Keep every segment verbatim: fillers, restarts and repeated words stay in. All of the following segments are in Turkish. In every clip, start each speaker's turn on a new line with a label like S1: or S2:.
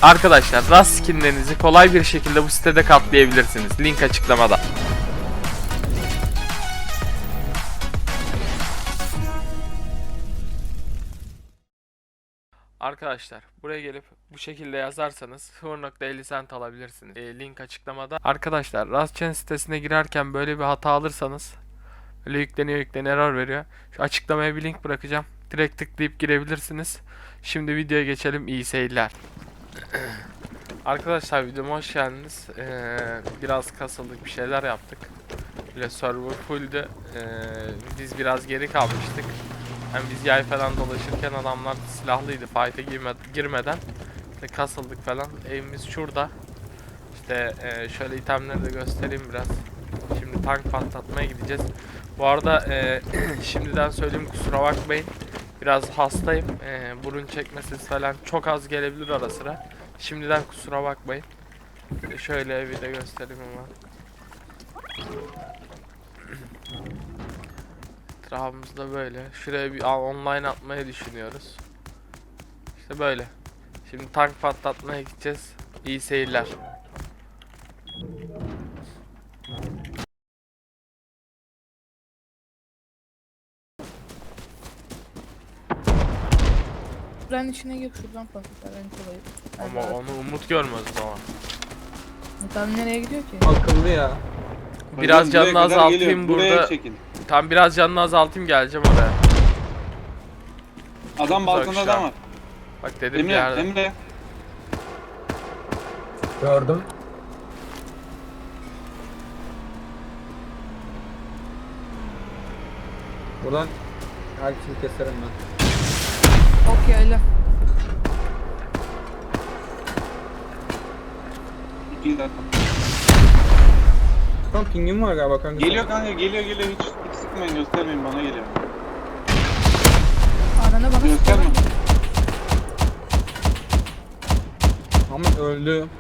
S1: Arkadaşlar Rust skinlerinizi kolay bir şekilde bu sitede katlayabilirsiniz. Link açıklamada. Arkadaşlar buraya gelip bu şekilde yazarsanız sıfır nokta elli cent alabilirsiniz. E, link açıklamada. Arkadaşlar Rustchain sitesine girerken böyle bir hata alırsanız böyle yükleniyor yükleniyor error veriyor. Şu açıklamaya bir link bırakacağım. Direkt tıklayıp girebilirsiniz. Şimdi videoya geçelim. İyi seyirler. Arkadaşlar videoma hoş geldiniz. Ee, biraz kasıldık, bir şeyler yaptık. Böyle server fulldü. Ee, biz biraz geri kalmıştık. Yani biz yay falan dolaşırken adamlar silahlıydı. Fight'e girme, girmeden işte kasıldık falan. Evimiz şurada. İşte e, şöyle itemleri de göstereyim biraz. Şimdi tank patlatmaya gideceğiz. Bu arada e, şimdiden söyleyeyim, kusura bakmayın. Biraz hastayım. E, burun çekme sesi falan çok az gelebilir ara sıra. Şimdiden kusura bakmayın. E, şöyle evi de göstereyim hemen. Etrafımızda böyle. Şuraya bir online atmayı düşünüyoruz. İşte böyle. Şimdi tank patlatmaya gideceğiz. İyi seyirler.
S2: Ben içine gir şuradan patlatlar en kolayı.
S1: Ama onu Umut görmez o zaman.
S2: Tam nereye gidiyor ki?
S3: Akıllı ya.
S1: Biraz
S4: Hocam,
S1: canını
S4: buraya kadar
S1: azaltayım
S4: geliyor. Buraya
S1: burada.
S4: çekin.
S1: Tam biraz canını azaltayım, geleceğim oraya.
S4: Adam balkonda
S1: uzak şu
S4: adam
S1: an.
S4: var.
S1: Bak dedim bir
S4: Emre,
S1: yerde.
S4: Emre.
S3: Gördüm. Buradan herkesi keserim ben.
S2: Ok yayla.
S4: İki dakika.
S3: Tam pingim var galiba kanka.
S4: Geliyor kanka, geliyor geliyor. Hiç, hiç sıkmayın, göstermeyin, bana geliyor.
S2: Anana bana
S4: Gösterme.
S2: sıkıyor.
S3: Ahmet öldü.
S2: Yok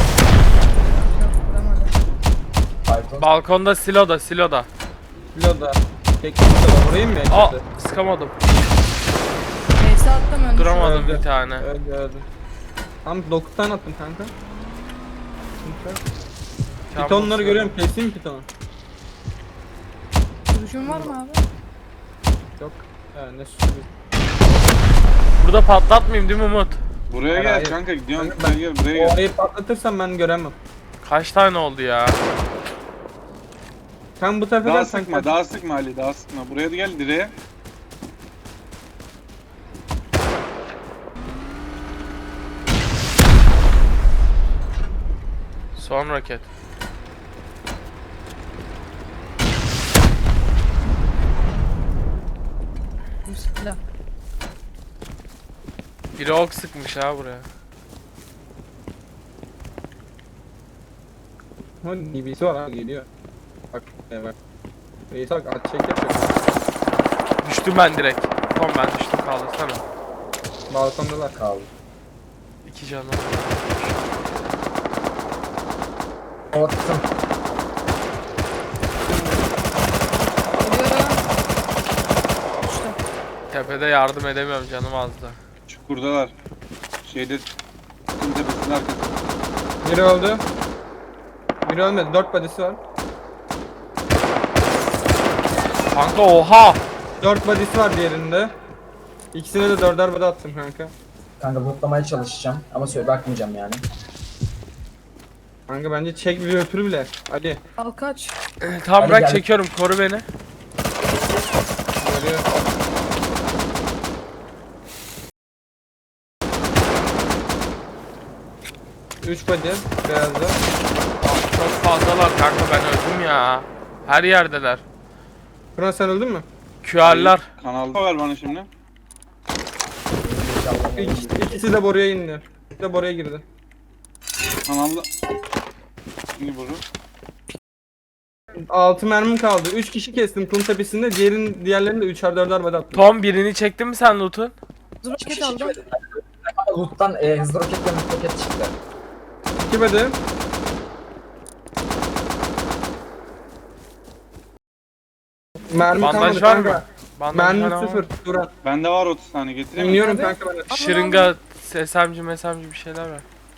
S2: vuramadı.
S1: Balkonda, siloda, siloda.
S3: Piloda. Teknik piloda. Orayı mı
S1: Aa,
S3: yaşadı?
S1: sıkamadım.
S2: Neyse attım önce.
S1: Duramadım
S3: Öldü.
S1: bir tane.
S3: Öldü öldü. Tam dokuz tane attım kanka. Pitonları görüyorum. Keseyim pitonu.
S2: Duruşun var mı abi?
S3: Yok. Ha, ne sürpriz.
S1: Burada patlatmayayım değil mi Umut?
S4: Buraya
S3: Hayır,
S4: gel
S3: hayır.
S4: kanka, gidiyorsun.
S3: Ben-
S4: Buraya gel, buraya
S3: O
S4: gel.
S3: orayı patlatırsam ben göremem.
S1: Kaç tane oldu ya?
S3: Sen bu tarafa
S4: Daha
S3: gel sen.
S4: sıkma, daha sıkma Ali, daha sıkma. Buraya da gel, direğe.
S1: Son roket.
S2: Bismillah.
S1: Biri ok sıkmış ha buraya.
S3: Ha, D B C var ha, geliyor. Bak e, bak. Reis bak at çek yapıyor.
S1: Düştüm ben direkt. Tamam, ben düştüm, kaldırsana.
S3: Balkondalar kaldı.
S1: İki canım.
S3: Attım.
S2: Geliyorum. Düştüm.
S1: Tepede yardım edemiyorum, canım azdı.
S4: Çukurdalar. Şeyde, tüm tepesinin arkasında.
S3: Biri öldü. Biri ölmedi. Dört body'si var.
S1: Kanka oha!
S3: Dört body'si var diğerinde. İkisine de dörder body attım kanka.
S5: Kanka botlamaya çalışacağım ama söyle bakmayacağım yani.
S3: Kanka bence çek bir öpür bile. Hadi.
S2: Al kaç.
S1: Tamam,
S5: Hadi
S1: bırak,
S5: gel.
S1: çekiyorum, koru beni.
S3: Görüyor. Üç body. Beyazda.
S1: Çok fazlalar kanka, ben öldüm ya. Her yerdeler.
S3: Kıran sen öldün mü?
S1: Q R'lar.
S4: Kanalda ver bana şimdi.
S5: İnşallah.
S3: İkisi, ikisi de boruya indi. İkisi de boruya girdi.
S4: Kanalda. Şimdi bunu.
S3: Altı mermim kaldı. Üç kişi kestim kum tepesinde. Diğerin diğerlerini de üçer dörder body attım.
S1: Tom, birini çektin mi sen loot'un?
S2: Dur roket aldım.
S5: Loot'tan e, hızlı roketle hızlı roket çıktı.
S3: İki body. Mermi
S1: Bandaj
S3: kalmadı
S1: var mı?
S3: kanka.
S1: Bandaj
S3: Mermi
S1: falan var.
S3: sıfır. Duran.
S4: Bende var otuz tane, getireyim mi?
S3: İniyorum
S2: Abi.
S3: kanka ben.
S1: Şırınga, S M G, M S M G bir şeyler var.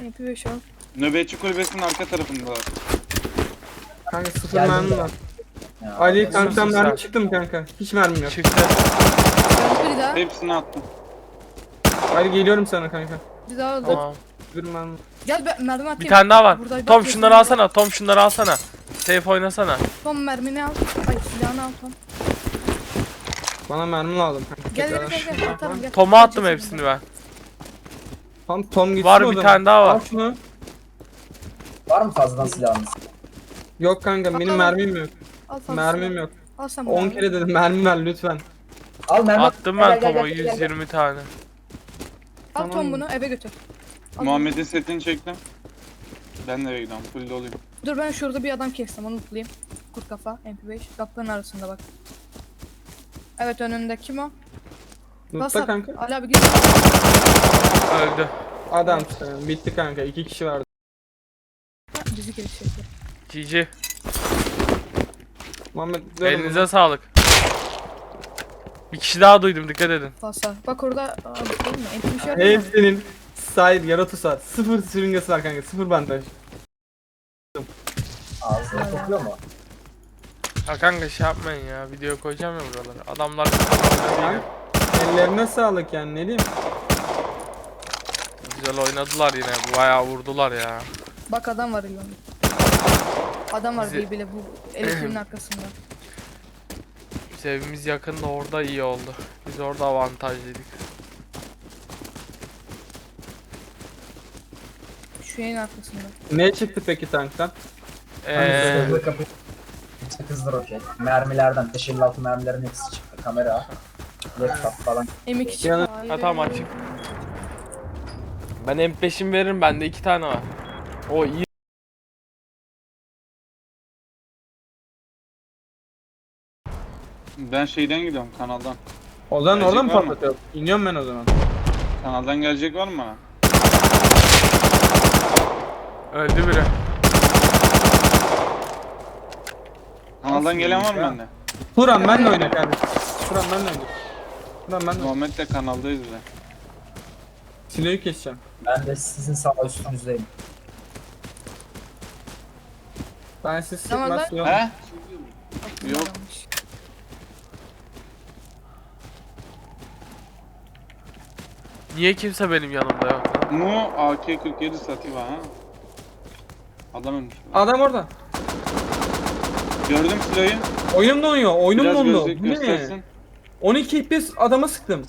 S2: M P beş al.
S4: Nöbetçi kulübesinin arka tarafındalar.
S3: Kanka sıfır
S5: Geldim
S3: mermi
S5: de.
S3: var.
S5: Ya,
S3: Ali
S5: Allah-
S3: kanka sen
S1: Güzel.
S3: mermi çıktı mı kanka? Hiç mermim yok.
S1: Çıktı.
S2: Ben bir daha.
S4: Hepsini attım.
S3: Ali geliyorum sana kanka.
S2: Bir daha öldü.
S1: Tamam.
S3: Bir mermi.
S2: Gel be, mermi atayım.
S1: Bir tane daha var.
S2: Buradaydı,
S1: Tom
S2: bak,
S1: şunları
S2: kesin.
S1: alsana. Tom şunları alsana. Safe oynasana.
S2: Tom mermini al. Ay silahını al Tom.
S3: Bana mermi lazım kanka.
S2: Gel gel
S3: Tekrar.
S2: gel gel atarım gel.
S1: Tom'a attım
S2: Gel,
S1: hepsini ben.
S3: Tam Tom gitsin
S1: Var
S3: o
S1: bir
S3: zaman.
S1: tane daha var.
S3: Al şunu.
S5: Var mı fazladan silahınız?
S3: Yok kanka benim
S2: Al, al.
S3: mermim yok.
S2: Al fazla
S3: Mermim
S2: silah.
S3: yok.
S2: Al sen
S3: on
S2: mermi.
S3: kere dedim mermi ver lütfen.
S5: Al mermi.
S1: Attım
S5: Gel,
S1: ben
S5: gel,
S1: Tom'a
S5: gel, gel, gel.
S1: yüz yirmi tane.
S2: Al Tom
S3: Tamam.
S2: bunu eve götür. Al.
S4: Muhammed'in setini çektim. Ben de eve gidiyorum. Full doluyum.
S2: Dur ben şurada bir adam kestim onu tutayım. Kurt kafa M P beş kapının arasında bak. Evet önünde kim o?
S3: Lutta
S2: Basar.
S3: kanka.
S2: Ali abi git.
S1: Öldü.
S3: Adam işte. Bitti kanka. İki kişi vardı.
S2: Bizi geçecekler.
S1: G G.
S3: Muhammed diyorum
S1: Elinize sağlık. Bir kişi daha duydum, dikkat edin.
S2: Basar. Bak orada abi değil mi? M P beş
S3: ona.
S2: yapıyor mu?
S3: Hepsinin sahip yaratısı var. Sıfır sürüngesi var kanka. Sıfır bandaj.
S5: Ağzına kokuyor mu?
S1: Ya kanka şey yapmayın ya, video koyacağım ya buralara. Adamlar
S3: Yani ellerine sağlık yani ne diyeyim.
S1: güzel oynadılar yine, bayağı vurdular ya.
S2: Bak adam var İlhan'ın. Adam var
S1: Bizi-
S2: bir bile bu elektriğin arkasında.
S1: Biz evimiz yakın da orada iyi oldu. Biz orada avantajlıydık.
S2: Şu yayın arkasında.
S3: Ne çıktı peki tanktan?
S1: Eee
S5: Hızlı kapı. Hızlı roket. Mermilerden. beş elli altı mermilerin hepsi çıktı. Kamera. Laptop falan.
S2: M iki
S3: Yani-
S2: çıktı.
S1: ha tamam açık. Ben M beş'imi veririm, bende iki tane var. O iyi.
S4: Ben şeyden gidiyorum kanaldan.
S3: O zaman
S4: Gelecek
S3: orada mı
S4: var mı?
S3: patlatıyor? İniyorum ben o zaman.
S4: Kanaldan gelecek var mı bana?
S1: Öldü biri.
S4: Kanaldan
S3: Nasıl
S4: gelen var mı
S3: ya?
S4: bende?
S3: Turan ben de oyna kardeşim. Turan ben de oyna. Turan ben de oyna.
S4: Muhammed de kanaldayız de.
S3: Silahı keseceğim.
S5: Ben de sizin sağ üstünüzdeyim.
S3: Ben siz
S2: Tamam,
S3: sıkmaz
S2: ben-
S3: silah.
S4: He?
S2: Aklımda
S4: Yok.
S2: kalmış.
S1: Niye kimse benim yanımda yok lan?
S4: Mu A K kırk yedi Sativa ha. Adam ölmüş.
S3: Adam orada.
S4: Gördüm silahı.
S3: Oyunum donuyor. Oyunum
S4: Biraz
S3: dondu.
S4: gözlük
S3: Bu ne?
S4: göstersin.
S3: on iki F P S adama sıktım.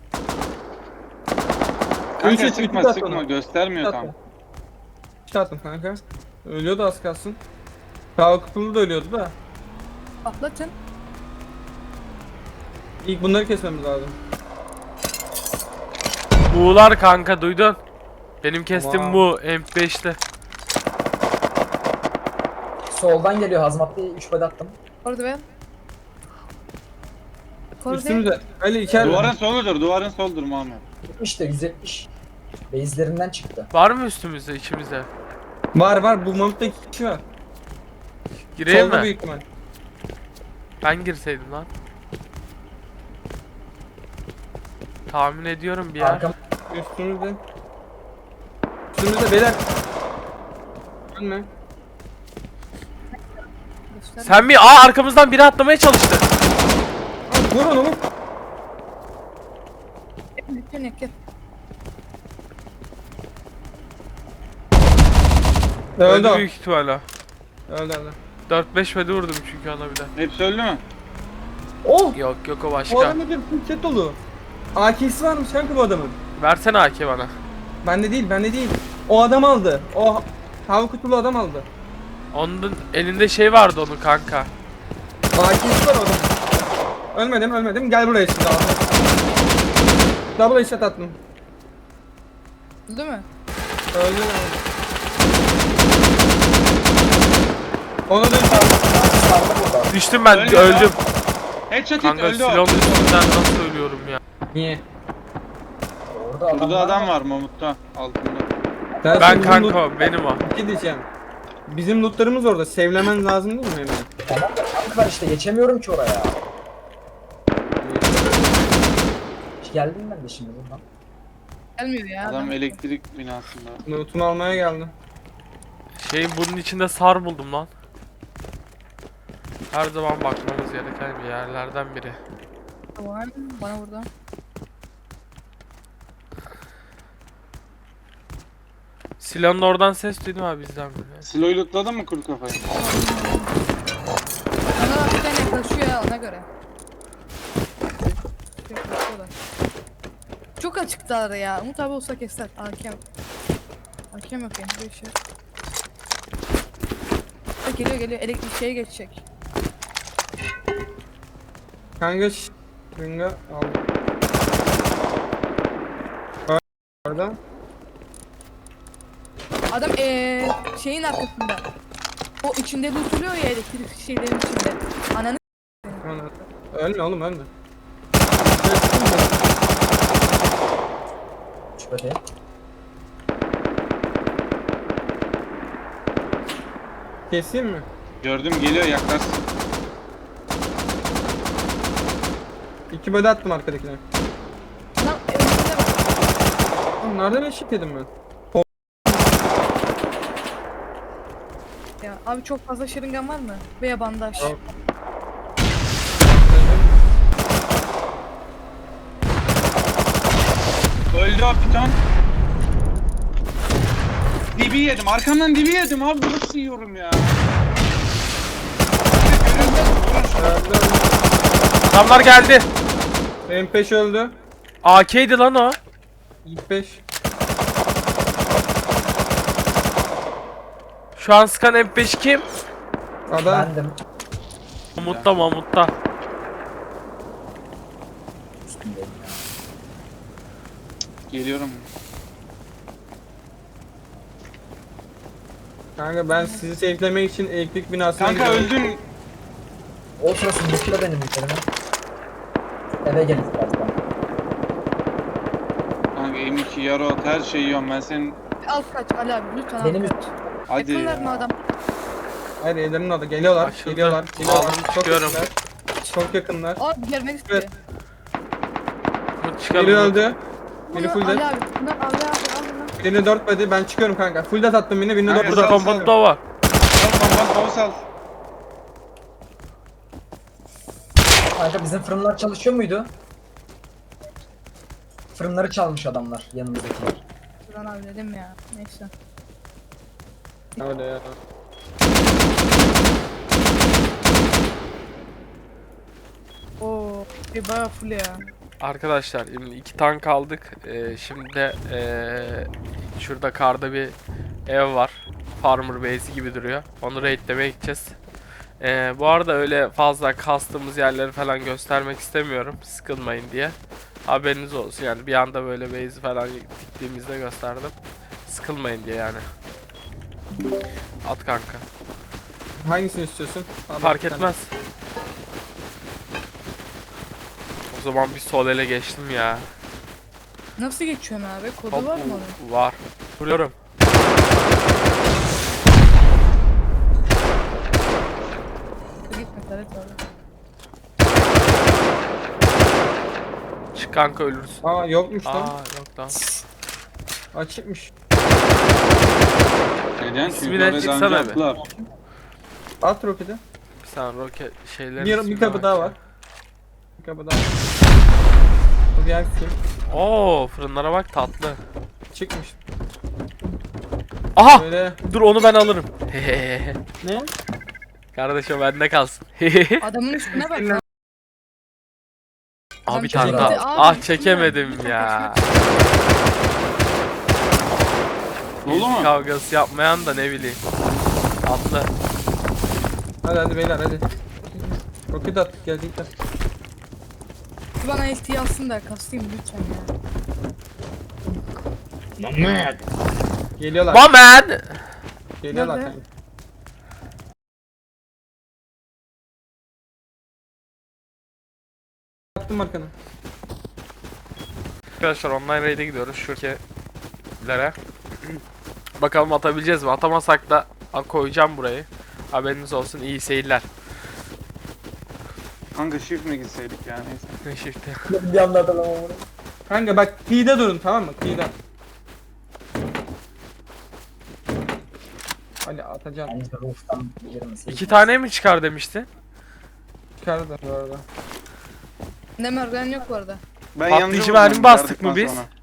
S4: Kanka
S3: Üç, üç,
S4: sıkma
S3: üç at
S4: sıkma
S3: ona.
S4: göstermiyor tam.
S3: İşte attım kanka. Ölüyordu az kalsın. Kalkıplı da ölüyordu da.
S2: Patlatın.
S3: İlk bunları kesmemiz lazım.
S1: Buğular kanka, duydun. Benim kestim
S3: Tamam.
S1: bu M beş'te.
S5: Soldan geliyor hazmatlı üç bed attım.
S2: Orada be. Orada.
S3: Üstümüze. Ali içeride.
S4: Duvarın soludur, duvarın soludur Muhammed.
S5: yetmiş de yüz yetmiş. Base'lerinden çıktı.
S1: Var mı üstümüzde, içimizde?
S3: Var var bu Mahmut'ta iki kişi var.
S1: Gireyim
S3: Solda
S1: mi?
S3: büyük ihtimal.
S1: Ben girseydim lan. Tahmin ediyorum bir yer.
S5: Arkam
S3: Üstümüzde. Üstümüzde beyler. Ölme.
S2: Göster.
S1: Sen mi? Aa, arkamızdan biri atlamaya çalıştı.
S3: Vur onu vur.
S2: Gel gel gel.
S3: Öldü o.
S1: büyük ihtimalle.
S3: Öldü öldü.
S1: dört beş vedi vurdum çünkü ona bir de.
S4: Hepsi öldü mü?
S3: Oh!
S1: Yok yok, o
S3: O
S1: başka.
S3: adamın bir set dolu. A K'si varmış kanka bu adamın.
S1: Versene A K bana.
S3: Bende değil bende değil. O adam aldı. O hava kutulu adam aldı.
S1: Onun elinde şey vardı onun kanka.
S3: A K'si var o adamın. Ölmedim ölmedim. Gel buraya şimdi abi. Double headshot attım.
S2: Değil mi?
S3: Öldü abi. Onu da
S5: sağda burada.
S1: Düştüm ben,
S4: Öldü
S1: öldüm.
S4: Headshot hit
S1: Kanka
S4: öldü o.
S1: silahın üstünden nasıl ölüyorum ya.
S3: Niye?
S5: Orada adam,
S4: Burada
S5: var
S4: adam
S5: ama
S4: var Mamut'ta altında.
S3: Ben,
S1: Ben
S3: bizim
S1: kanka
S3: loot-
S1: o, benim o.
S3: Bir şey diyeceğim. Bizim lootlarımız orada. Sevlemen lazım değil mi hemen?
S5: Tamam da tank var işte geçemiyorum ki oraya. Hiç geldim ben de şimdi buradan.
S2: Gelmiyor ya.
S4: Adam elektrik binasında.
S3: Loot'umu almaya geldim.
S1: Şeyin bunun içinde sar buldum lan. Her zaman bakmamız gereken bir yerlerden biri.
S2: Var. Bana vurdu.
S1: Silahın oradan ses duydum abi bizden biri.
S4: Silo'yu lootladın mı kuru kafayı?
S2: Bana bir tane yaklaşıyor ya ona göre. Yaklaşıyorlar. Çok açıklar ya. Umut abi olsa keser. Hakem. Hakem yok yani. Bir şey. Bak, geliyor geliyor. Elektrik şeye geçecek.
S3: Kanka şş. Ringa aldım. Orada.
S2: Adam eee şeyin arkasında. O içinde lootuluyor ya elektrik şeylerin içinde. Ananı
S3: Ana. Ölme oğlum ölme.
S5: Şöyle.
S3: Keseyim mi?
S4: Gördüm geliyor yaklaşsın.
S3: İki böde attım arkadakine.
S2: lan önünde bak.
S3: Oğlum nereden eşit yedim ben?
S2: Ya abi çok fazla şırıngan var mı? Veya bandaj.
S3: Yok.
S4: Öldü o piton. Dibi yedim. Arkamdan dibi yedim abi. Nasıl yiyorum ya?
S3: Öldü öldü.
S1: Adamlar geldi.
S3: M beş öldü.
S1: A K'ydi lan o.
S3: İlk beş.
S1: Şu an sıkan M beş kim?
S3: Adam.
S5: Bendim.
S1: Mahmut'ta Mahmut'ta.
S5: Üstündeyim ya.
S4: Geliyorum.
S3: Kanka ben sizi safelemek için elektrik binasına
S4: Kanka
S3: gidiyorum.
S4: öldün.
S5: O sırası yükle benim yüklerime. Eve gelin birazdan.
S4: Kanka M iki Yarot her şeyi yiyorum ben senin.
S2: Alt kaç Ali abi lütfen
S5: Benim
S2: alt
S5: üst-
S2: kaç.
S4: Hadi
S2: Yakınlar mı
S4: ya.
S2: adam?
S3: Hayır evlerinin adı. Geliyorlar.
S1: Açıldı.
S3: Geliyorlar. Geliyorlar.
S1: Aldım,
S3: Çok
S1: çıkıyorum.
S3: yakınlar. Çok yakınlar.
S2: Abi gelmek istiyor.
S3: Evet.
S1: Umut çıkalım.
S3: Biri
S1: Umut.
S3: öldü. Biri
S2: Bunu
S3: full
S2: Ali
S3: dead.
S2: abi. Bunu Ali abi al bunu.
S3: Birini dört body. Ben çıkıyorum kanka. Full dead attım birini. Birini
S4: Kanka,
S3: dört
S1: Burada
S4: sal,
S3: body.
S4: sal.
S1: kompotto var.
S4: Sal kombat bavu sal.
S5: Kanka bizim fırınlar çalışıyor muydu? Fırınları çalmış adamlar yanımızdakiler.
S2: Buradan abi dedim ya. Neyse.
S3: Öyle ya.
S2: Oo, bir bayağı full ya.
S1: Arkadaşlar şimdi iki tank aldık. Ee, şimdi de ee, şurada karda bir ev var. Farmer base'i gibi duruyor. Onu raidlemeye gideceğiz. Ee, bu arada öyle fazla kastığımız yerleri falan göstermek istemiyorum. Sıkılmayın diye. Haberiniz olsun yani bir anda böyle base'i falan diktiğimizde gösterdim. Sıkılmayın diye yani. At kanka.
S3: Hangisini istiyorsun? Al
S1: Fark
S3: bir tane.
S1: etmez. O zaman bir sol ele geçtim ya.
S2: Nasıl geçiyorsun abi? Kodu
S1: Hop,
S2: var mı onun?
S1: var. Vuruyorum.
S2: Gitme Taret abi.
S1: Çık kanka ölürsün.
S3: Aa yokmuş
S1: Aa
S3: lan.
S1: yok lan.
S3: Açıkmış.
S4: Neden? Çünkü
S1: İsmine
S4: oraya
S1: çıksana
S4: daha önce
S1: bir.
S4: attılar.
S3: At roketi.
S1: Bir saniye roket şeylerin
S3: Bir, bir
S1: ismine
S3: kapı daha var.
S1: bakacağım.
S3: Bir kapı daha var. Bu diğer kim?
S1: Oo fırınlara bak tatlı.
S3: Çıkmış.
S1: Aha!
S3: Böyle.
S1: Dur onu ben alırım.
S3: Ne?
S1: Kardeşim bende kalsın.
S2: Adamın üstüne bak lan.
S1: Abi bir
S2: çekemedi.
S1: tane daha.
S2: Abi,
S1: Ah
S2: üstüne
S1: çekemedim
S2: lütfen
S1: ya.
S4: Dolu mu?
S1: Kavgası yapmayan da ne bileyim. Atlı.
S3: Hadi hadi beyler hadi. Roket at geldik de.
S2: Bir bana L T alsın da kastayım lütfen ya.
S3: Geliyorlar.
S1: Mamen!
S3: Geliyorlar
S2: Nerede?
S3: kanka. Attım arkana.
S1: Arkadaşlar online raid'e gidiyoruz şu ülkelere. Bakalım atabileceğiz mi? Atamasak da a, koyacağım burayı. Haberiniz olsun. İyi seyirler.
S4: Kanka shift mi gitseydik yani neyse.
S1: Ne shift'i?
S5: Bir anda adam ama.
S3: Kanka bak kıyıda durun tamam mı? Kıyıda. Ali atacağım.
S5: Bence roof'tan girmesi.
S1: İki tane mi çıkar demişti?
S3: Çıkardı da bu arada.
S2: Ne merdiven yok bu arada.
S4: Ben
S1: Patlayıcı
S4: yanıcı
S1: mermi
S4: vuracağım
S1: bastık mı
S4: yardıktan
S1: biz?
S4: sonra.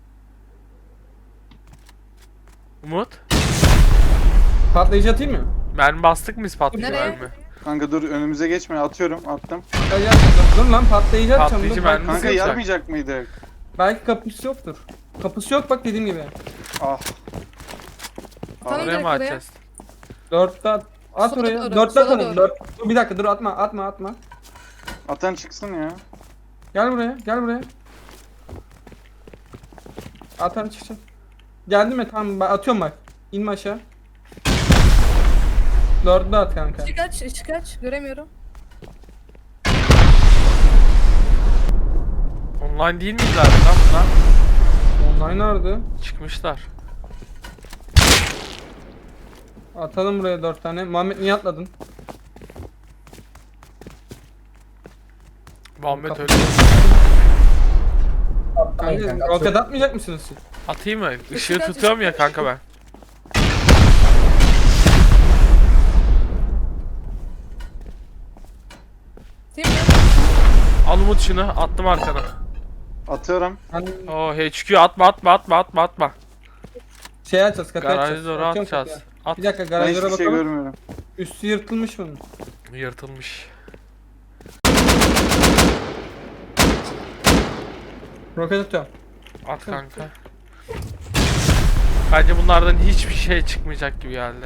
S1: Umut.
S3: Patlayıcı atayım mı?
S1: Mermi bastık mı biz patlayıcı
S2: Nereye?
S1: mermi?
S4: Kanka dur önümüze geçme atıyorum attım.
S3: Patlayıcı dur lan patlayıcı atacağım.
S1: Patlayıcı
S3: Dur,
S1: mermi
S3: bak-
S4: Kanka
S1: Nasıl
S4: yarmayacak mıydık?
S3: Belki kapısı yoktur. Kapısı yok bak dediğim gibi.
S4: Ah.
S2: Tamam,
S1: Oraya
S2: direkt
S1: mı
S2: oraya.
S1: atacağız?
S3: Dörtte at. At
S2: Sola
S3: oraya.
S2: doğru,
S3: Dörtte
S2: sola
S3: atalım.
S2: doğru.
S3: Dört. Dur bir dakika dur atma atma atma.
S4: Atan çıksın ya.
S3: Gel buraya gel buraya. Atan çıksın. Geldi mi? Tamam ben atıyorum bak. İnme aşağı. Dörtte at kanka.
S2: Işık aç, ışık aç. Göremiyorum.
S1: Online değil miydiler lan bunlar?
S3: Online nerede?
S1: Çıkmışlar.
S3: Atalım buraya dört tane. Muhammed niye atladın?
S1: Muhammed
S3: Kapı-
S1: öyle.
S5: Atlamayın
S3: Kanka
S5: kanka.
S3: roket atmayacak mısınız siz?
S1: Atayım mı? Işığı
S2: Işık aç,
S1: tutuyorum
S2: ışık
S1: ya
S2: aç.
S1: kanka ben.
S2: Değil mi?
S1: Al Umut şunu attım arkana.
S4: Atıyorum.
S3: Hani
S1: Oo H Q atma atma atma atma atma.
S3: şey açacağız kapıyı açacağız.
S1: Garajı doğru
S3: Atıyorum
S1: atacağız.
S3: kapıyı.
S1: At.
S3: Bir dakika
S4: Ben
S3: garajlara
S4: hiçbir şey
S3: bakalım.
S4: görmüyorum.
S3: Üstü yırtılmış bunun.
S1: Yırtılmış.
S3: Roket atıyorum.
S1: At kanka. Bence bunlardan hiçbir şey çıkmayacak gibi geldi.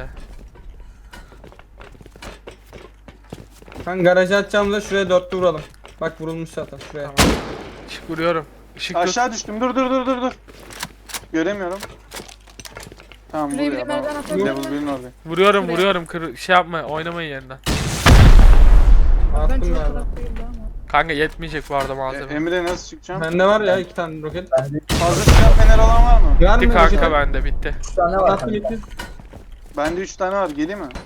S3: Ben garajı atacağımızda şuraya dörtlü vuralım. Bak vurulmuş zaten şuraya.
S1: Işık vuruyorum. Işık tut.
S4: Aşağı düştüm. Dur dur dur dur dur. Göremiyorum. Tamam
S2: Şuraya
S4: buraya.
S2: bir merdiven
S4: Tamam.
S2: atabilir
S4: Level
S2: miyim?
S4: bir'in orada.
S1: Vuruyorum
S2: Şuraya.
S1: vuruyorum. Kır şey yapma oynamayın yerinden.
S2: Ben
S3: Attım
S2: çok
S3: galiba.
S2: taraf değildi ama.
S1: Kanka yetmeyecek bu arada
S4: E,
S1: malzeme.
S4: Emre nasıl çıkacağım?
S3: Bende var ya iki tane roket.
S5: Bende
S4: Fazla silah fener olan var mı?
S3: Var
S1: Bitti
S3: mı
S1: kanka
S3: roket?
S1: bende bitti.
S5: üç tane var
S3: Attım
S5: kanka.
S3: bitti.
S4: Bende üç tane var. Geleyim mi?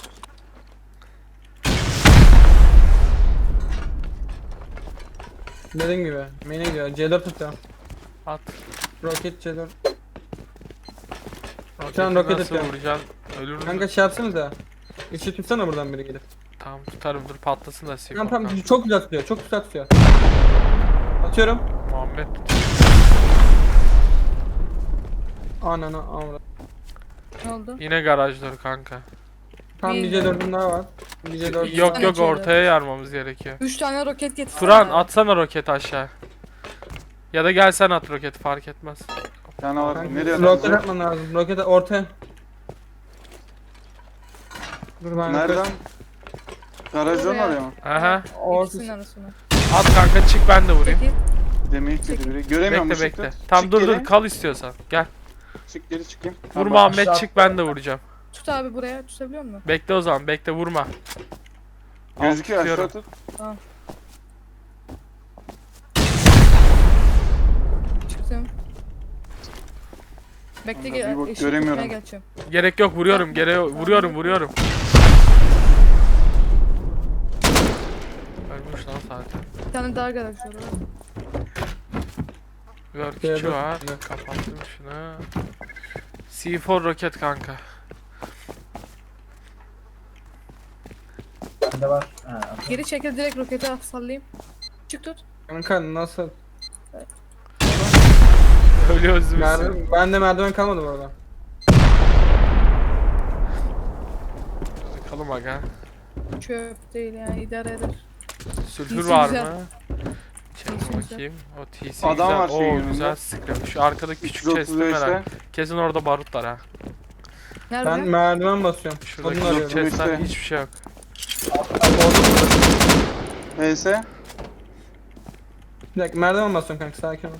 S3: Dediğim gibi. Main'e gidiyor. C dört atıyorum.
S1: At.
S3: Roket C dört.
S1: Roketi
S3: Şu an roket
S1: nasıl
S3: atıyorum.
S1: vuracaksın? Ölür mü?
S3: Kanka şey yapsanıza. Işığı tutsana buradan biri gelip.
S1: Tamam tutarım dur patlasın da sik.
S3: Tamam tamam çok güzel tutuyor. Çok güzel tutuyor. Atıyorum.
S1: Muhammed.
S3: Ananı avra.
S2: Ne oldu?
S1: Yine garajları kanka.
S3: Tam bir C dört'üm daha var. Bir C dört.
S1: Yok
S2: tane
S1: yok
S2: çevre.
S1: ortaya yarmamız gerekiyor.
S2: Üç tane roket getir.
S1: Turan atsana roket aşağı. Ya da gel sen at roket fark etmez.
S4: Bir tane var.
S3: Kanka,
S4: Nereye
S3: roket
S4: atacağım?
S3: atman lazım. Roket ortaya. Dur ben
S4: Nereden?
S3: roket-
S4: Garajdan
S2: Oraya.
S4: oraya mı?
S1: Aha.
S2: İkisinin
S3: Ortası.
S2: arasına.
S1: At kanka çık ben de vurayım.
S2: Çekil.
S4: Demeyi kedi biri. Göremiyorum
S1: Bekle
S4: ışıkta.
S1: bekle. Tam
S4: Çık
S1: dur
S4: geri.
S1: dur kal istiyorsan. Gel.
S4: Çık geri çıkayım.
S1: Vur
S4: Tamam,
S1: Muhammed
S5: aşağı-
S1: çık ben de vuracağım.
S2: Tut abi buraya. Tutabiliyor musun?
S1: Bekle o zaman bekle vurma. Al,
S4: Gözüküyor aşağı
S1: tutuyorum.
S4: tut.
S2: Çıktım. Bekle
S4: Kanka,
S2: gel.
S4: bir bak,
S2: ışık
S4: göremiyorum.
S2: tutmaya geçeceğim.
S1: Gerek yok vuruyorum gere vuruyorum vuruyorum. Ölmüş lan zaten.
S2: Bir tane daha garaj var. orada.
S1: Work
S3: Evet.
S1: içi var. Kapattım şunu. C dört roket kanka.
S5: Bende var. Ha,
S2: Geri çekil direkt rokete at sallayayım. Çık tut.
S3: Kanka nasıl?
S1: Ölüyoruz biz.
S3: Merdiven, bende merdiven kalmadı bu arada.
S1: Bakalım aga.
S2: Çöp değil yani idare eder.
S1: Sülfür
S2: T C
S1: var
S2: güzel.
S1: mı? Çek
S2: T C
S1: bakayım. O T C
S4: Adam
S1: güzel.
S4: var şeyin
S1: Oo
S4: yanında.
S1: güzel sıkıyor. Şu arkadaki küçük
S4: üç yüz otuz
S1: chest'im
S4: beşte.
S1: merak. Kesin orada barut var ha.
S2: Nerede?
S3: Ben merdiven basıyorum.
S1: Şuradaki
S3: Odun arıyorum.
S1: chest'ten
S4: işte.
S1: hiçbir şey yok.
S4: H S.
S3: Bir dakika merdiven basıyorum kanka sakin ol.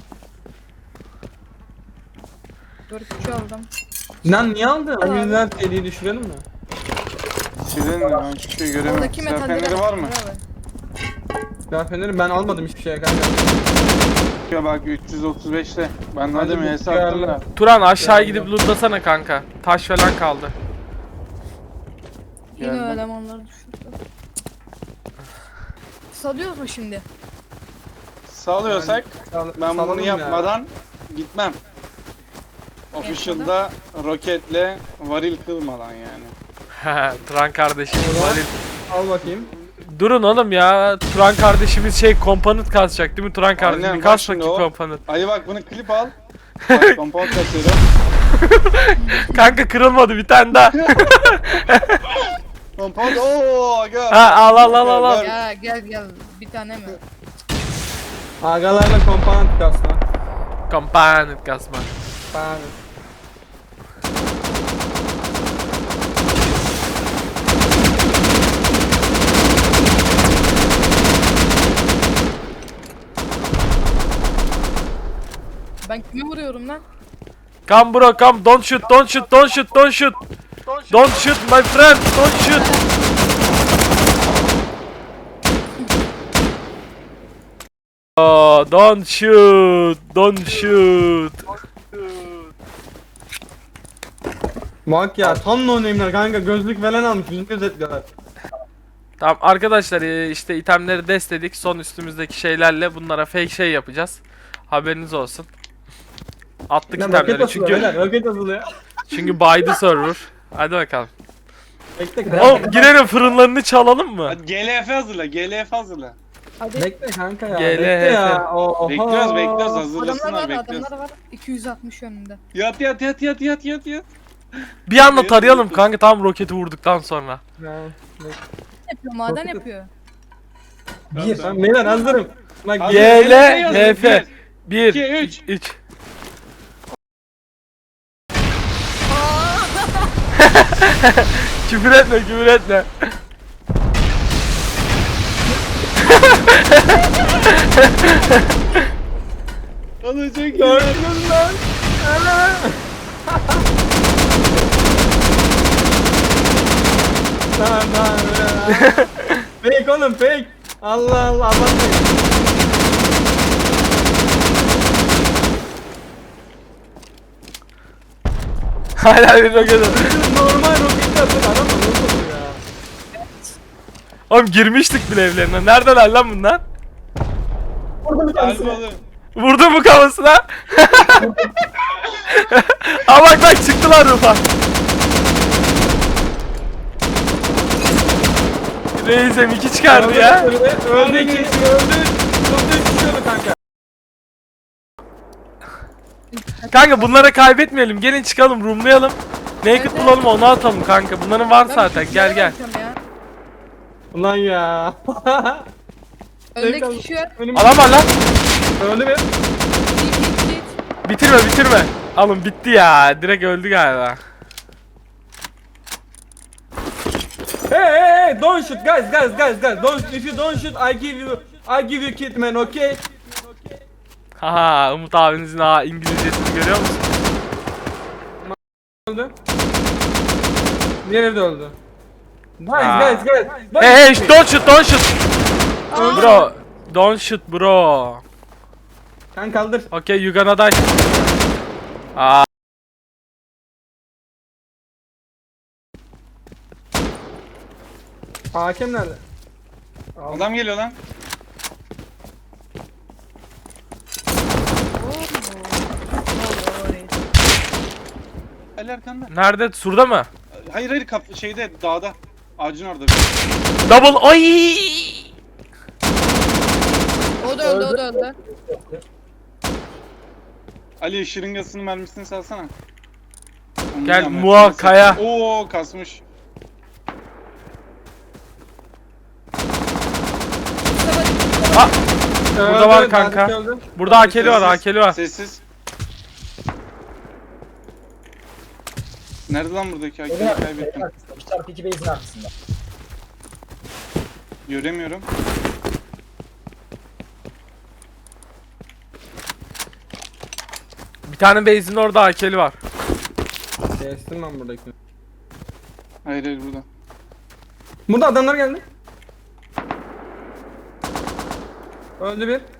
S2: Dur küçüğü aldım.
S3: Lan niye aldın?
S2: Al abi.
S3: Emirler deliği düşürelim mi?
S4: Silin mi? Ben hiçbir şey göremiyorum.
S2: Oradaki
S4: Silah
S2: metalleri
S4: feneri var mı?
S2: Bravo.
S3: Ben feneri ben almadım hiçbir şeye kanka.
S4: Ya bak üç yüz otuz beşte. Ben
S3: Hadi
S4: dedim
S3: bu
S4: H S attım
S3: duyarlı.
S4: da.
S1: Turan aşağı
S3: Geldim.
S1: gidip lootlasana kanka. Taş falan kaldı.
S2: Yine
S4: Geldim.
S2: elemanlar düşürdü. Salıyoruz mu şimdi?
S4: Salıyorsak
S3: Sal-
S4: ben
S3: salalım
S4: bunu
S3: ya.
S4: yapmadan gitmem. Official'da roketle varil kılmadan yani.
S1: Turan kardeşim Valil.
S3: Al bakayım.
S1: Durun oğlum ya. Turan kardeşimiz şey komponent kasacak değil mi Turan kardeşim?
S4: Aynen,
S1: Bir
S4: bak
S1: kas
S4: şimdi
S1: bakayım
S4: o.
S1: komponent.
S4: Ayı bak bunu klip al. Bak compound kasıyorum.
S1: Kanka kırılmadı bir tane daha.
S4: Compound ooo gör.
S1: Ha, al, al, al, al, al.
S4: Gör.
S2: Ya gel gel bir tane mi?
S3: Agalarla komponent kasma.
S1: Komponent kasma.
S3: Ben
S2: Ben kimi vuruyorum lan?
S1: Come bro come, don't shoot, don't shoot, don't shoot, don't shoot. Don't shoot my friend, don't shoot. Oh, don't shoot, don't shoot.
S3: Bak ya tam no name'ler kanka gözlük falan almış bizim gözetliyorlar.
S1: Tamam arkadaşlar, e, işte itemleri destedik. Son üstümüzdeki şeylerle bunlara fake şey yapacağız. Haberiniz olsun. Attık
S3: Ne roket
S1: itemleri
S3: asılıyor
S1: çünkü
S3: beyler roket asılıyor.
S1: çünkü by the server. Hadi bakalım.
S3: Bekle
S1: Oğlum girelim, fırınlarını çalalım mı?
S4: Hadi G L F hazırla, G L F hazırla.
S2: Hadi.
S3: Bekle kanka ya.
S1: G L H F.
S3: Bekle ya. Oha.
S4: Bekliyoruz, bekliyoruz,
S2: Adamlar
S4: hazırlasınlar,
S2: var
S4: bekliyoruz.
S2: adamlar var. iki yüz altmış yönünde.
S4: Yat yat yat yat yat yat yat.
S1: Bir anda tarayalım kanka, tam roketi vurduktan sonra.
S3: Ya, bekle.
S2: Yapıyor maden
S3: Roket-
S2: yapıyor.
S5: Bir.
S3: Ben beyler hazırım. Bak
S4: Hazır.
S1: G L H F bir
S4: iki, üç.
S1: üç. Küfür etme, küfür etme.
S4: Alacak
S3: gördünüz lan. Ana. Tamam tamam. Fake oğlum fake. Allah Allah abartmayın.
S1: Hala bir roket.
S3: Normal roket atın adam mı? Nasıl olur ya?
S1: Oğlum girmiştik bile evlerine. Neredeler lan bunlar?
S4: Gel oğlum.
S1: Vurdu mu kafasına? Aa bak bak çıktılar Rufa. Reis'e iki çıkardı ya.
S3: Öldü öldü iki öldü. Öldü düşüyordu kanka.
S1: Kanka bunlara kaybetmeyelim. Gelin çıkalım, roomlayalım. Naked
S2: Evet,
S1: bulalım, onu atalım kanka. Bunların var zaten. Gel gel.
S2: Ya.
S3: Ulan ya.
S2: Öndeki kişi var.
S3: Önüm
S1: Adam var lan.
S3: öldü mü?
S2: Git git git.
S1: Bitirme bitirme. Alın bitti ya. Direkt öldü galiba.
S3: Hey hey hey don't shoot guys guys guys guys don't if you don't shoot I give you I give you kit man okay?
S1: Haha, Umut abinizin ha İngilizcesini görüyor musun?
S3: Öldü. Diğeri de öldü. Guys
S1: Aa.
S3: guys guys. Don't
S1: Hey hey
S3: shoot me.
S1: don't shoot don't shoot. Bro, don't shoot bro.
S3: Kan kaldır.
S1: Okay, you gonna die. Aa.
S3: Hakem nerede?
S4: Adam geliyor lan. Ali arkanda.
S1: Nerede? Surda mı?
S4: Hayır hayır kap şeyde dağda. Ağacın orada.
S1: Double. Ay!
S2: O da öldü o da öldü.
S4: Ali şırıngasının mermisini salsana. Onu
S1: Gel,
S4: da
S1: Muha,
S4: mermisini
S1: Kaya.
S4: sal. Oo kasmış.
S1: Aa, burada var
S3: Öldü,
S1: kanka.
S3: Nazif öldü.
S1: burada akeli var,
S4: Sessiz,
S1: akeli var.
S4: Sessiz. Nerede lan buradaki
S5: Evin
S4: hakemi
S5: arkasında, evin
S4: kaybettim.
S5: arkasında. üç çarpı iki base'in arkasında.
S4: Göremiyorum.
S1: Bir tane base'in orada akeli var.
S3: Kestim ben buradaki.
S4: Hayır hayır burada.
S3: Burada adamlar geldi. Öldü bir.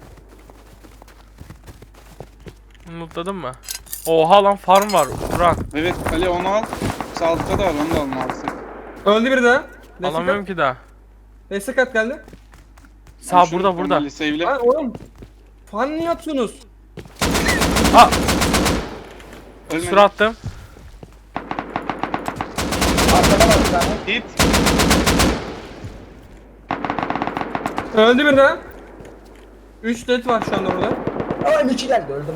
S1: Unutladın mı? Oha lan, farm var. Turan.
S4: Evet Ali onu al. Sağ altta da var onu da alma alsın.
S3: Öldü bir daha. Destek
S1: Alamıyorum
S3: at.
S1: ki daha.
S3: Destek at geldi.
S1: Sağ burada burada.
S4: Ali save'le.
S3: Lan oğlum. Fan niye atıyorsunuz?
S1: Aa,
S4: Ölmedi.
S1: sur attım.
S5: Arkada var bir tane.
S4: Hit.
S3: Öldü bir de. üç dead var şu anda burada.
S5: Aa M iki geldi öldüm.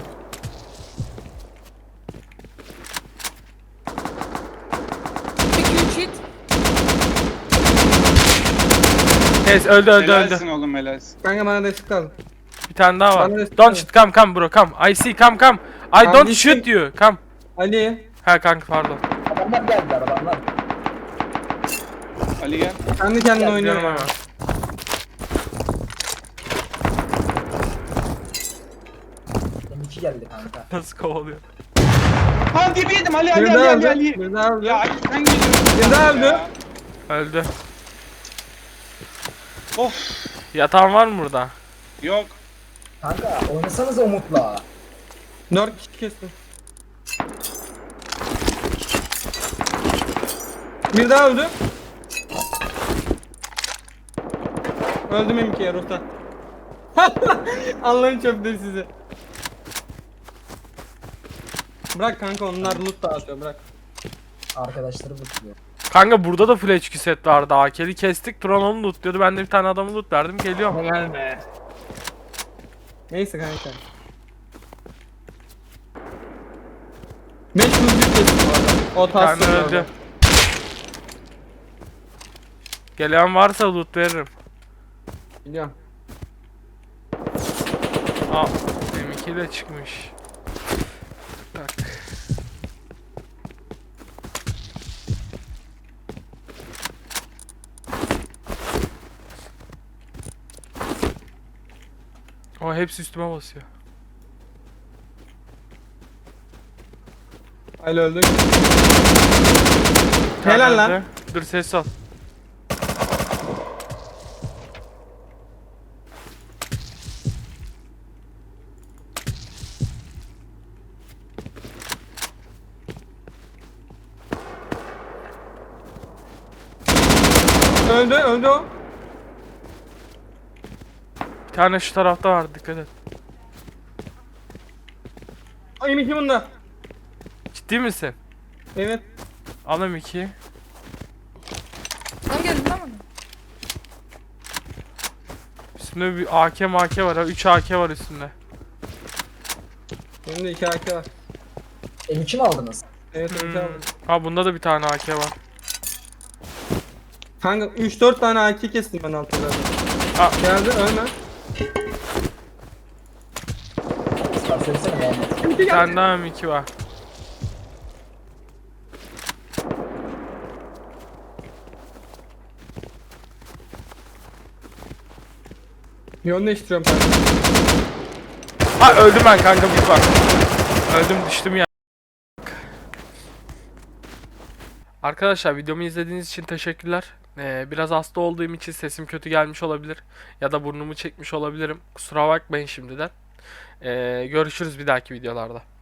S2: iki üç hit.
S1: Yes, öldü öldü öldü.
S4: Helalsin oğlum helalsin.
S3: Kanka bana destek lazım.
S1: Bir tane daha var.
S3: Bana destek
S1: Don't
S3: lazım.
S1: shoot, come come bro, come. I see, come come. I
S3: Ben
S1: don't
S3: düştüm.
S1: shoot you, come.
S3: Ali.
S1: Ha kanka pardon.
S5: Adamlar geldiler adamlar.
S4: Ali gel.
S3: Kendi kendine
S5: Gel,
S3: oynuyor
S1: Diyorum
S3: ama.
S1: hemen.
S5: M iki geldi kanka.
S1: Nasıl kovalıyor?
S4: Ha dibi yedim Ali Ali
S3: Bir
S4: Ali
S3: daha
S4: Ali
S3: öldü.
S4: Ali.
S3: Bir daha öldü.
S4: Ya Ali sen geliyorsun.
S3: Bir daha
S4: ya.
S3: öldü.
S1: Öldü.
S4: Of.
S1: Yatağın var mı burada?
S4: Yok.
S5: Kanka oynasanız Umut'la.
S3: dört kişi kestim. Bir daha öldü. Öldüm M ikiye rota. Allah'ın çöpleri sizi. Bırak kanka onlar loot dağıtıyor bırak.
S5: Arkadaşları buluyor.
S1: Kanka burada da full H Q set vardı. A K'li kestik. Tron onu loot diyordu. Ben de bir tane adamı loot verdim. Geliyorum.
S3: Helal be. Neyse kanka. beş yüz kestim orada. O
S1: Bir tane
S3: tas
S1: öldü. Gelen varsa loot veririm.
S3: Biliyorum.
S1: Aa, M iki de çıkmış. Bak. O hepsi üstüme basıyor.
S3: Ali öldük.
S1: Bir tane
S3: Helal lan.
S1: öldü. Dur ses al.
S3: Öldü öldü o.
S1: Bir tane şu tarafta var, dikkat et.
S3: Ay M iki bunda.
S1: Ciddi misin?
S3: Evet.
S1: Al M ikiyi.
S2: Lan geldi lan bana.
S1: Üstünde bir A K M A K var ha. üç A K var üstünde.
S3: Benim de iki A K var.
S5: M iki mi aldınız?
S3: Evet M iki
S1: Hmm.
S3: aldım.
S1: Ha bunda da bir tane A K var.
S3: Kanka üç dört tane A K kestim ben altta zaten.
S1: Aa.
S3: Geldi ölme.
S5: Star söylesene Muhammed.
S1: Bir tane daha M iki var.
S3: Yön değiştiriyorum kanka.
S1: Ha öldüm ben kanka, bir bak. Öldüm, düştüm ya. Arkadaşlar videomu izlediğiniz için teşekkürler. Ee, biraz hasta olduğum için sesim kötü gelmiş olabilir. Ya da burnumu çekmiş olabilirim. Kusura bakmayın şimdiden. Ee, görüşürüz bir dahaki videolarda.